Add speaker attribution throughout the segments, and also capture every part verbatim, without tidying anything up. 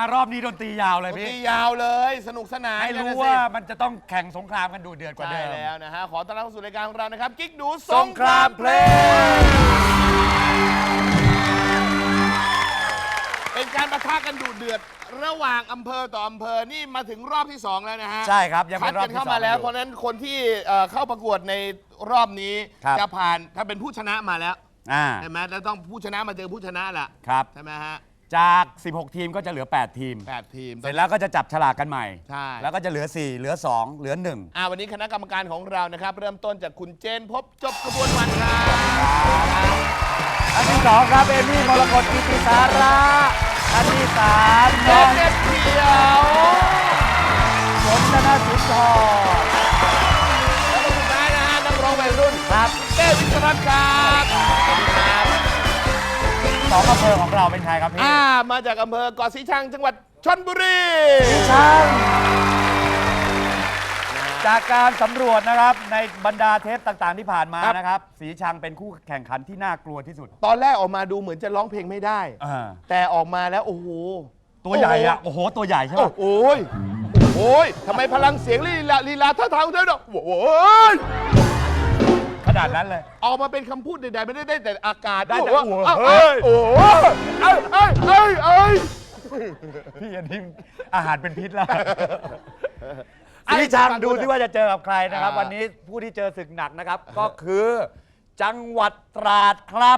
Speaker 1: ารอบนี้ดนตรียาวเลยพี่
Speaker 2: ดนตรียาวเลยสนุกสนาน
Speaker 1: ให้รู้ว่ามันจะต้องแข่งสงครามกันดูเดือดกว่าเดิม
Speaker 2: ใช่แล้วนะฮะขอต้อนรับเข้าสู่รายการของเรานะครับกิ๊กดู
Speaker 1: สงครามเพลง
Speaker 2: เป็นการปะทะกันดูเดือดระหว่างอำเภอต่ออำเภอนี่มาถึงรอบที่สองแล้วนะฮะ
Speaker 1: ใช่ครับยัง
Speaker 2: คัด
Speaker 1: เป็นรอบ
Speaker 2: กัน
Speaker 1: ที่
Speaker 2: เข้ามาแล้วเพราะฉะนั้นคนที่เข้าประกวดในรอบนี้จะผ่านถ้าเป็นผู้ชนะมาแล้วใช่ไหมแล้วต้องผู้ชนะมาเจอผู้ชนะแหละใช่ไหมฮะ
Speaker 1: จากสิบหกทีมก็จะเหลือแปดทีม
Speaker 2: แปดทีม
Speaker 1: เสร็จแล้วก็จะจับฉลากกันใหม่
Speaker 2: ใช่
Speaker 1: แล้วก็จะเหลือสี่เหลือสองเหลือหนึ่ง
Speaker 2: อ่าวันนี้คณะกรรมการของเรานะครับเริ่มต้นจากคุณเจนพบจบกระบวนวันครับ
Speaker 1: อันที่สองครับเอมี่มรกตกิติสาระอันที่สาม
Speaker 2: น้องเน็ตเขียว
Speaker 1: ฝนธนสุนทร
Speaker 2: แล้วก็สุดท้ายนะฮะนักร้องวัยรุ่นครับเต้วิศรัตน์ครับ
Speaker 1: สองอำเภอของเราเป็นใครครับพี่
Speaker 2: อ่ามาจากอำเภอเกาะสีชังจังหวัดชลบุรี
Speaker 1: สีชังจากการสำรวจนะครับในบรรดาเทปต่างๆที่ผ่านมานะครับสีชังเป็นคู่แข่งขันที่น่ากลัวที่สุด
Speaker 2: ตอนแรกออกมาดูเหมือนจะร้องเพลงไม่ได้แต่ออกมาแล้วโอ้โห
Speaker 1: ตัวใหญ่อะโอ้โหตัวใหญ่ใช่ไหม
Speaker 2: โอ้ยโอ้ยทำไมพลังเสียงลีลาลีลาท่าทางเธอเนาะโอ้ย
Speaker 1: ขนาดนั้นเลย
Speaker 2: ออกมาเป็นคำพูดใดๆไม่ได้ได้แต่อากาศ
Speaker 1: ได้แต่
Speaker 2: โอ้ยโอ้ยเอ้ยเอ้ยเอ้ยเอ้ย
Speaker 1: พี่อันนี้อาหารเป็นพิษแล้วสีชังดูที่ว่าจะเจอกับใครนะครับวันนี้ผู้ที่เจอศึกหนักนะครับก็คือจังหวัดตราดครับ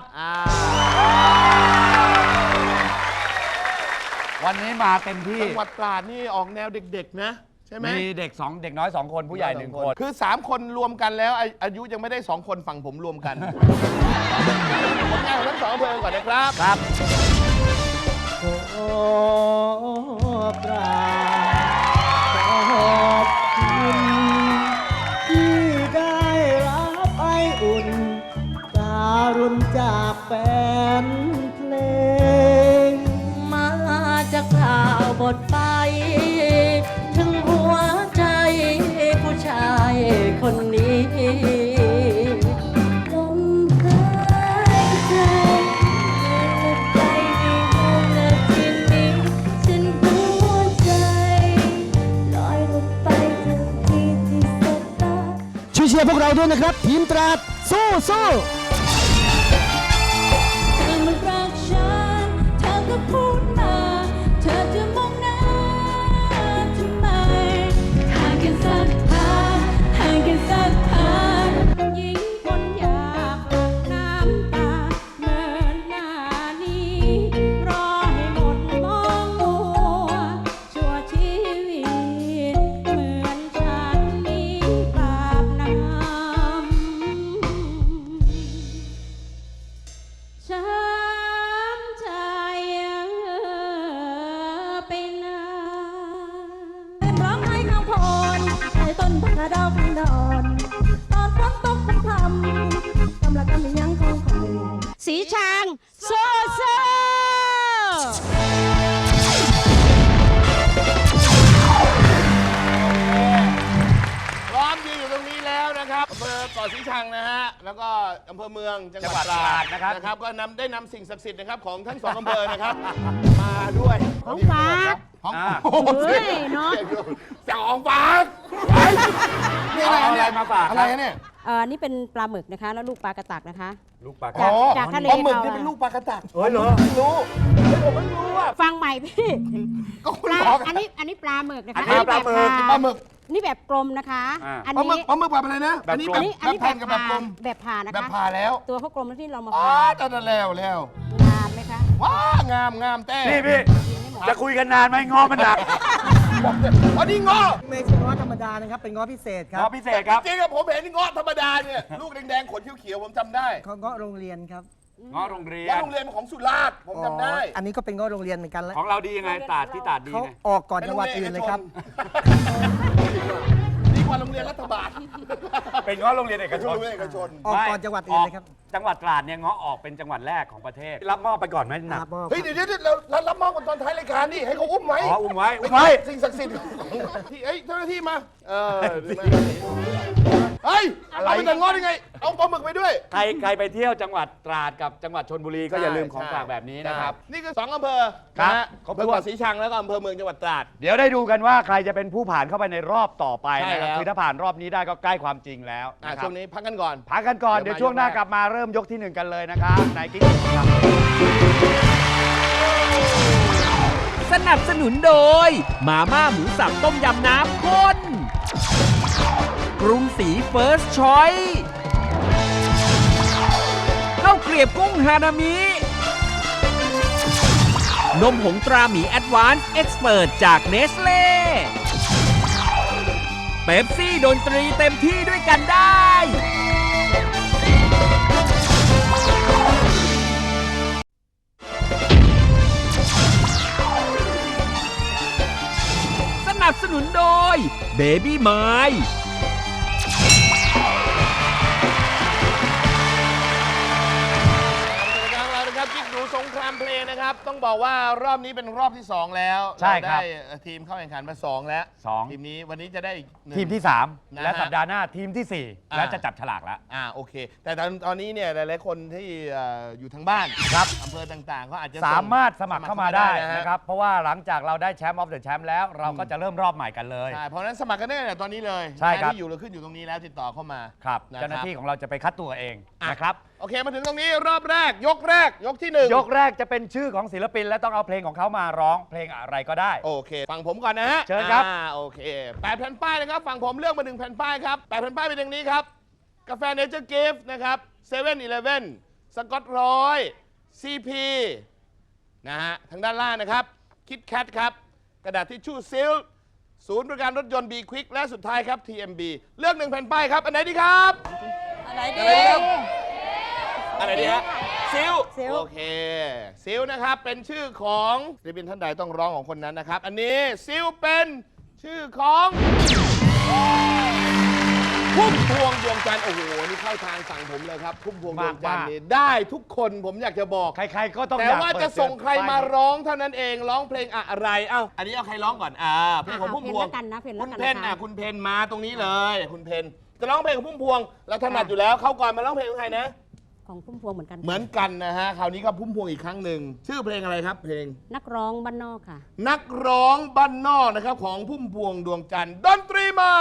Speaker 1: วันนี้มาเต็มที่
Speaker 2: จังหวัดตราดนี่ออกแนวเด็กๆนะใช่ไหม
Speaker 1: มีเด็กสองเด็กน้อยสองคนผู้ใหญ่หนึ่งคน
Speaker 2: คือสามคนรวมกันแล้วอายุยังไม่ได้สองคนฝั่งผมรวมกันผลงานของทั้งสองอำเภอก่อนนะครับ
Speaker 1: ครับ
Speaker 3: ขอบกราบขอบคุณที่ได้รับไออุ่นการุณจากแฟนเพลง
Speaker 4: มาจากข่าวบทไปถึงหัวใจผู้ชายคนนี้ลมหายใจใจในห้องนาทีนี้ฉันหัวใจลอยลงไปถึงที่ที่สบตา
Speaker 3: ช่วยเชียร์พวกเราด้วยนะครับทีมตราดสู้สู้
Speaker 4: เธอมารักฉันเธอก็พูดมาเธอจะมองหน้าทำไมห่างกันสักพักห่างกันสักพักยิ่งคนอยากหลั่งน้ำตาเมื่อหน้านี้รอให้หมดมองมัวชั่วชีวิตเหมือนฉันมีบาปน้ำช้ำใจไปนานร้องไห้ข้างพรในต้นพระดอกนอนตอนฝนตกพรำพรำกำลังกำยังคงคอยสีช้างโซ่โซ่
Speaker 2: พร้อมยืนอยู่ตรงนี้แล้วนะครับอำเภอเกาะสีชังนะฮะแล้วก็อำเภอเมืองจังหวัดตราดนะครับนะครับก็นำได้นำสิ่งศักดิ์สิทธิ์นะครับของทั้งสองอำเภอนะครับมาด้วย
Speaker 4: ของฝาก
Speaker 2: ของ
Speaker 4: เฮ้ยเนาะ
Speaker 2: ของฝากนี่อะไรเนี่ย
Speaker 1: มาฝาก
Speaker 2: อะไรเนี่ย
Speaker 4: เออนี่เป็นปลาหมึกนะคะแล้วลูกปลากระตักนะคะ
Speaker 1: ลูกปลากระ
Speaker 4: ตักจากทะเล
Speaker 2: ปลาหมึกนี่เป็นลูกปลากระตัก
Speaker 1: เฮ้ยเหรอ
Speaker 2: ไม่รู้ผมไม่รู้อ่ะ
Speaker 4: ฟังใหม่พี่
Speaker 2: ก็คุณ
Speaker 4: บ
Speaker 2: อก
Speaker 4: อันนี้อันนี้ปลาหมึกนะคะ
Speaker 1: ปลาหมึก
Speaker 2: ปลาหมึก
Speaker 4: นี่แบบกลมนะคะ
Speaker 2: อันนี้ปลาหมึกแบบอะไรนะอันนี้แบบแบบแผ่นกับแบบกลม
Speaker 4: แบบผ่านะคะ
Speaker 2: แบบผ่าแล้ว
Speaker 4: ตัวเขากลมแล้วที่เรามา
Speaker 2: ผ่าจะแล้วแล้ว
Speaker 4: งามไหมคะ
Speaker 2: ว้างามงามแต่
Speaker 1: นี่พี่จะคุยกันนานไหมง้อมันหนัก
Speaker 2: อันนี้ง้อ
Speaker 3: ไม่ใช่ง้อธรรมดานะครับเป็นง้อพิเศษครับ
Speaker 1: ง้อพิเศษครับ
Speaker 2: จริงๆผมเห็นง้อธรรมดาเนี่ยลูกแดงๆขนเขียวๆผมจำได้
Speaker 3: เขาง้อโรงเรียนครับ
Speaker 1: ง้อโรงเรียน
Speaker 2: ง้อโรงเรียนของสุราษฎร์ผมจำได้
Speaker 3: อันนี้ก็เป็นง้อโรงเรียนเหมือนกันแล้ว
Speaker 1: ของเราดียังไงตราดที่ตราดดี
Speaker 3: เขาออกก่อนจังหวัดอื่นเลยครับ
Speaker 2: ดีกว่าโรงเรียนรัฐบาล
Speaker 1: เป็นง้อโรงเรียนเอกชน
Speaker 2: เอกชน
Speaker 3: ออกก่อนจังหวัดอื่นเลยครับ
Speaker 1: จังหวัดตราดเนี่ยง้อออกเป็นจังหวัดแรกของประเทศรับมอบไปก่อนไหมหนัก
Speaker 2: เฮ้ยเดี๋ยวเดี๋ยวเรารับมอบกันตอนท้ายรายการนี่ให้เขาอุ้มไว้
Speaker 1: อ๋ออุ้มไว้อุ้มไว้
Speaker 2: สิ่งศักดิ์สิทธิ์ที่เอ้ยเจ้าหน้าที่มาเออเฮ้ย
Speaker 1: อะไร
Speaker 2: เอาไปแต่งงอได้ไง เอาปลาหมึกไปด้วย
Speaker 1: ใครใครไปเที่ยวจังหวัดตราดกับจังหวัดชลบุรีก็อย่าลืมของฝากแบบนี้นะครับ
Speaker 2: นี่คือสองอำเภอ
Speaker 1: ครับ
Speaker 2: นะฮะ
Speaker 1: ครบ
Speaker 2: อำเภอ
Speaker 1: ถ้วน
Speaker 2: เกาะสีชังแล้วก็อำเภอเมืองจังหวัดตราด
Speaker 1: เดี๋ยวได้ดูกันว่าใครจะเป็นผู้ผ่านเข้าไปในรอบต่อไป
Speaker 2: ใช่
Speaker 1: นะครับ
Speaker 2: แล้ว
Speaker 1: คือถ้าผ่านรอบนี้ได้ก็ใกล้ความจริงแล้ว
Speaker 2: อ่ะ
Speaker 1: นะครั
Speaker 2: ช่
Speaker 1: บ
Speaker 2: วงนี้พักกันก่อน
Speaker 1: พักกันก่อน
Speaker 2: เดี๋
Speaker 1: เดี๋
Speaker 2: ย
Speaker 1: ยว วช่วงหน้า
Speaker 2: มา
Speaker 1: กลับมาเริ่มยกที่หนึ่งกันเลยนะครับในกิ๊กครับ
Speaker 5: สนับสนุนโดย มาม่าหมูสับต้มยำน้ำข้น กรุงศรีเฟิร์สชอยข้าวเกรียบกุ้งฮานามิ นมผงตราหมีแอดวานซ์เอ็กซ์เพิร์จากเนสเล่เป๊ปซี่ดนตรีเต็มที่ด้วยกันได้ สนับสนุนโดย Baby m i
Speaker 2: ทางเรานะครับกิ๊กดูสงครามเพลงนะครับ ต้องบอกว่ารอบนี้เป็นรอบที่สองแล้ว
Speaker 1: ใช่ครับ
Speaker 2: เาได้ทีมเข้าแข่งขันมาสองแล้ว
Speaker 1: สอง
Speaker 2: ทีมนี้วันนี้จะได้อีกหนึ่ง
Speaker 1: ทีมที่สาม
Speaker 2: นะฮะ
Speaker 1: และสัปดาห์หน้าทีมที่สี่
Speaker 2: อ่า
Speaker 1: และจะจับฉลากแล้ว
Speaker 2: อ่าโอเค แต่ตอนตอนนี้เนี่ยหลายๆคนที่เอ่ออยู่ทางบ้านครับอำเภอต่างๆก็อาจจะส่ง
Speaker 1: สามารถสมัครเข้ามาได้
Speaker 2: ฮ
Speaker 1: นะครับ เพราะว่าหลังจากเราได้แชมป์ออฟเดอะแชมป์แล้วเราก็จะเริ่มรอบใหม่กันเลย
Speaker 2: ใช่เพราะฉะนั้นสมัครกันได้เนี่ยตอนนี้เลย
Speaker 1: ใช่ครับ
Speaker 2: ที่อยู่เราขึ้นอยู่ตรงนี้แล้วติดต่อเข้ามา
Speaker 1: ครับ
Speaker 2: นะครับ
Speaker 1: เจ้าหน้าที่ของเราจะไปคัดตัวเองนะครับ
Speaker 2: โอเคมาถึงตรงนี้รอบแรกยกแรกยกที่หนึ่ง
Speaker 1: ยกแรกจะเป็นชื่อของศิลปินและต้องเอาเพลงของเขามาร้องเพลงอะไรก็ได้
Speaker 2: โอเคฟังผมก่อนนะฮะ
Speaker 1: เชิญครับ
Speaker 2: อ่าโอเคแปดแผ่นป้ายนะครับฝั่งผมเลือกมาหนึ่งแผ่นป้ายครับแปดแผ่นป้ายเป็นอย่างนี้ครับกาแฟเนเจอร์กิฟต์นะครับเซเว่นอีเลฟเว่นสกอตร้อยซีพีนะฮะทางด้านล่างนะครับคิดแคทครับกระดาษทิชชู่ซิลศูนย์บริการรถยนต์ B Quick และสุดท้ายครับ ที เอ็ม บี เลือกหนึ่งแผ่นป้ายครับอันไหนดีครับ
Speaker 4: อะไรดี
Speaker 2: อะไรดีครับ อะไรดีฮะซิล
Speaker 4: ซิล
Speaker 2: โอเคซิลนะครับเป็นชื่อของศิลปินท่านใดต้องร้องของคนนั้นนะครับ อันนี้ซิลเป็นชื่อของพุ่มพวงดวงจันทร์โอ้โหนี่เข้าทางสั่งผมเลยครับพุ่มพวงดวงจันทร์นี่ได้ทุกคนผมอยากจะบอก
Speaker 1: ใครๆก็ต้อง
Speaker 2: แต่
Speaker 1: อยาก
Speaker 2: ว่า
Speaker 1: เปิด
Speaker 2: จะส่งใครมา
Speaker 1: เสียง
Speaker 2: ร้องเท่านั้นเองร้องเพลงอะไรเอ้าอันนี้เอาใครร้องก่อนอ่าเพลงของพุ่มพวง
Speaker 6: เพลงแล้วกันนะเพลงแล้ว
Speaker 2: คุณ
Speaker 6: กัน
Speaker 2: เพน
Speaker 6: นะคะ
Speaker 2: อ่ะคุณเพนมาตรงนี้เลย คุณเพนจะร้องเพลงของพุ่มพวงเราถนัดอยู่แล้วเข้าก่อนมาร้องเพลงของใครนะ
Speaker 6: ของพุ่มพวงเหมือนกัน
Speaker 2: เหมือนกันนะฮะ คราวนี้ก็พุ่มพวงอีกครั้งหนึ่ง ชื่อเพลงอะไรครับ เพลง
Speaker 6: นักร้องบ้านนอกค่ะ
Speaker 2: นักร้องบ้านนอกนะครับของพุ่มพวงดวงจันทร์ดนตรีมา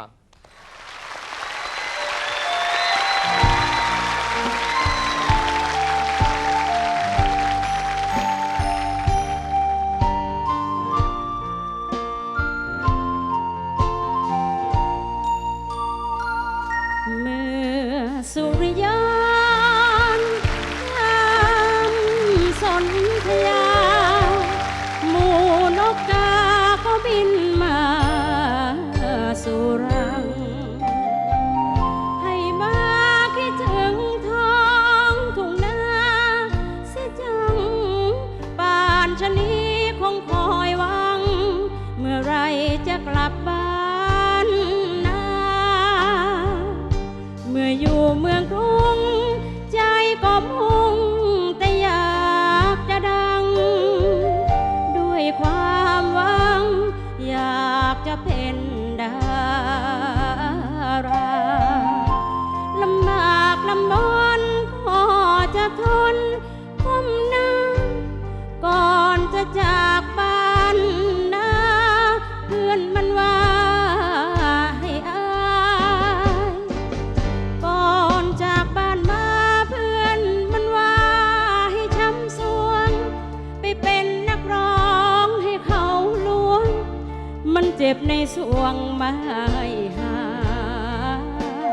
Speaker 2: เจ็บในสวงไม่หาย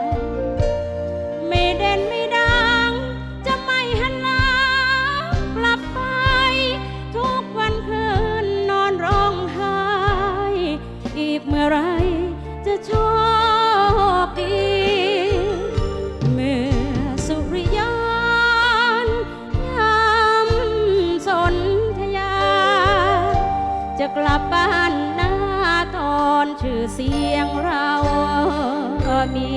Speaker 2: ไม่เด่นไม่ดังจะไม่หันหลังกลับไปทุกวันคืนนอนร้องไห้อีกเมื่อไรจะโชคดีเมื่อสุริยนต์ยำสนธยาจะกลับบ้านตอนชื่อเสียงเรามี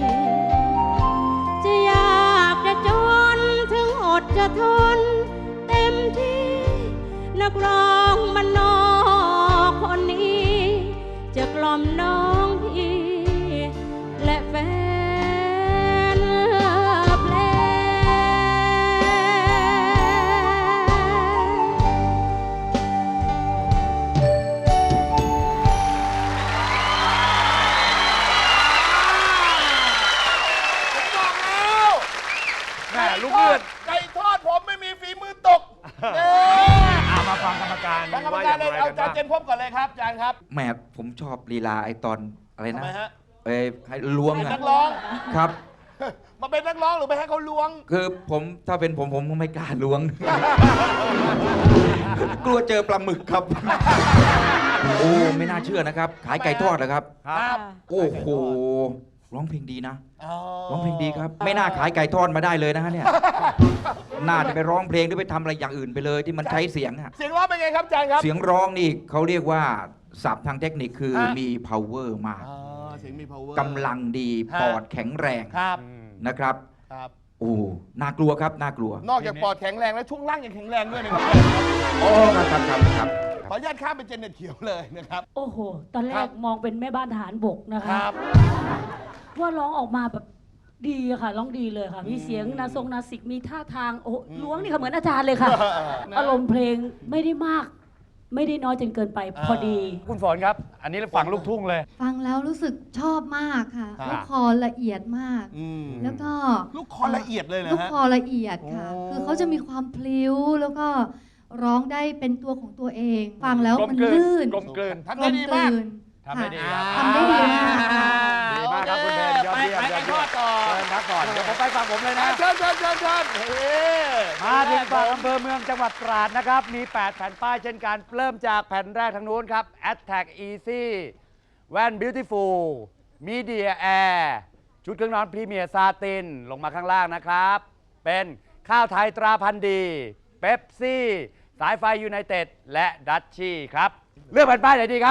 Speaker 2: จะอยากจะจนถึงอดจะทนเต็มที่นักร้องมันนอกคนนี้จะกล่อมน้องพี่และแฟน
Speaker 7: แหมผมชอบลีลาไอตอนอะไร
Speaker 2: ทำ
Speaker 7: นะ
Speaker 2: ไมฮะ
Speaker 7: เอ้ยให้ล้วง
Speaker 2: เป็น
Speaker 7: อะ
Speaker 2: นักร้อง
Speaker 7: ครับ
Speaker 2: มาเป็นนักร้องหรือไปให้เขาล้วง
Speaker 7: คือผมถ้าเป็นผมผมก็ไม่กล้าล้วง กลัวเจอปลาหมึกครับ โอ้ไม่น่าเชื่อนะครับ ขายไก่ทอดเหรอครับ
Speaker 2: ครับ
Speaker 7: โอ้โหร้องเพลงดีนะ
Speaker 2: อ๋อ
Speaker 7: ร้องเพลงดีครับ ไม่น่าขายไก่ทอดมาได้เลยนะฮะเนี่ย น่าจะไปร้องเพลงหรือไปทำอะไรอย่างอื่นไปเลยที่มันใช้เสียงอะ
Speaker 2: เสียงร้องเป็นไงครับอาจารย์ครับ
Speaker 7: เสียงร้องนี่เขาเรียกว่าศัพท์ทางเทคนิคคือ
Speaker 2: ฮะ
Speaker 7: มี power มาก
Speaker 2: อ๋อเสียงมี power
Speaker 7: กำลังดี
Speaker 2: ฮะ
Speaker 7: ปอดแข็งแรง
Speaker 2: ครับ
Speaker 7: นะครับ
Speaker 2: ครับ
Speaker 7: โอ้น่ากลัวครับน่ากลัว
Speaker 2: นอกจากปอดแข็งแรงแล้วช่วงล่างยังแข็งแรงด้วยนะครับ
Speaker 7: โอ้ครับครับครับครับ
Speaker 2: ขออนุญาตข้ามเป็นเจเน็ตเขียวเลยนะครับ
Speaker 8: โอ้โห ตอนแร
Speaker 2: ครั
Speaker 8: ก
Speaker 2: บ
Speaker 8: มองเป็นแม่บ้านทหารบกนะ
Speaker 2: ค
Speaker 8: คะ
Speaker 2: รับ
Speaker 8: ว่าร้องออกมาแบบดีอะค่ะ ร้องดีเลยค่ะ มีเสียงนาทรงนาสิก มีท่าทาง โอ้ล้วงนี่ค่ะเหมือนอาจารย์เลยค่ะ
Speaker 2: นะ
Speaker 8: อารมณ์เพลงไม่ได้มาก ไม่ได้น้อยจนเกินไป พอดี
Speaker 1: คุณฝนครับ อันนี้เราฟังลูกทุ่งเลย
Speaker 9: ฟังแล้วรู้สึกชอบมากค่ะ
Speaker 2: ครับ
Speaker 9: ลูกคอละเอียดมาก
Speaker 2: อืม
Speaker 9: แล้วก็
Speaker 2: ลูกคอละเอียดเลยนะ
Speaker 9: ลูก
Speaker 2: ฮะ
Speaker 9: คอละเอียดค่ะ
Speaker 2: โอ้
Speaker 9: คือเขาจะมีความพลิ้วแล้วก็ร้องได้เป็นตัวของตัวเอง ฟังแล้ว
Speaker 1: กลม
Speaker 9: มัน
Speaker 1: กลืน
Speaker 9: ลื่น
Speaker 1: กลมกลืน
Speaker 2: ทำได้ดีมาก
Speaker 9: กลมกลืน
Speaker 1: ทำได้ดีครับ
Speaker 9: ค่ะทำได้ดีมากค่ะ
Speaker 1: ดีมากครับคุณเบนยอดเยี่ยม
Speaker 2: ไป
Speaker 1: ยอด
Speaker 2: ไป
Speaker 1: เยี่ย
Speaker 2: ไป
Speaker 1: ม
Speaker 2: ต่อ
Speaker 1: เชิญพักก่อนเดี๋ยวผมไปฟังผมเลยนะ
Speaker 2: เชิญเชิญเชิญเชิญเฮ้
Speaker 1: มาถึงฝั่งอำเภอเมืองจังหวัดตราดนะครับ มี แปด แผ่นป้ายเช่นกัน เริ่มจากแผ่นแรกทางนู้นครับ Attack Easy แว่น Beautiful Media Air ชุดเครื่องนอนพรีเมียร์ซาติน ลงมาข้างล่างนะครับ เป็นข้าวไทยตราพันธุ์ดีเป๊ปซี่สายไฟยูไนเต็ดและดัชชี่ครับ เลือกแผ่นป้ายไหนดีครับ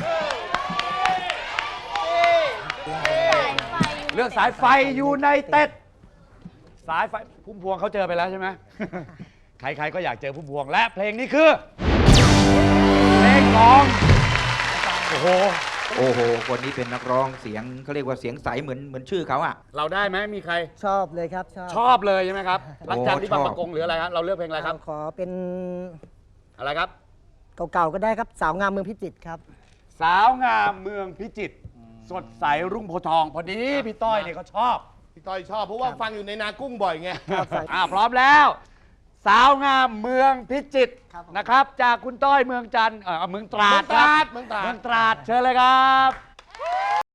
Speaker 1: เลือกสายไฟยูไนเต็ด สายไฟพุ่มพวงเขาเจอไปแล้วใช่ไหม ใครๆก็อยากเจอพุ่มพวงและเพลงนี้คือ เพลงของโอ้โห
Speaker 7: โอ้โห คนนี้เป็นนักร้องเสียงเขาเรียกว่าเสียงใสเหมือนเหมือนชื่อเขาอะ
Speaker 1: เราได้ไหมมีใคร
Speaker 3: ชอบเลยครับ ชอบ
Speaker 1: ชอบเลยใช่ไหมครับ
Speaker 7: โอ้
Speaker 1: รักจันทร์ที่บาง
Speaker 7: ชอบ
Speaker 1: ประกงหรืออะไรครับ เราเลือกเพลงอะไรครับ
Speaker 3: ขอเป็น
Speaker 1: อะไรครับ
Speaker 3: เก่าๆก็ได้ครับ สาวงามเมืองพิจิตรครับ
Speaker 1: สาวงามเมืองพิจิตรสดใสรุ่งโพธิ์ทอง พอดีพี่ต้อยเนี่ยเขาชอบ
Speaker 2: พี่ต้อยชอบเพราะว่าฟังอยู่ในนากุ้งบ่อยไง
Speaker 1: อ่าพร้อมแล้ว สาวงามเมืองพิจิตรนะครับ จากคุณต้อยเมืองจันทร์เออเมืองตราดครับ
Speaker 2: เมืองตราด
Speaker 1: เมืองตราดเชิญเลยครับ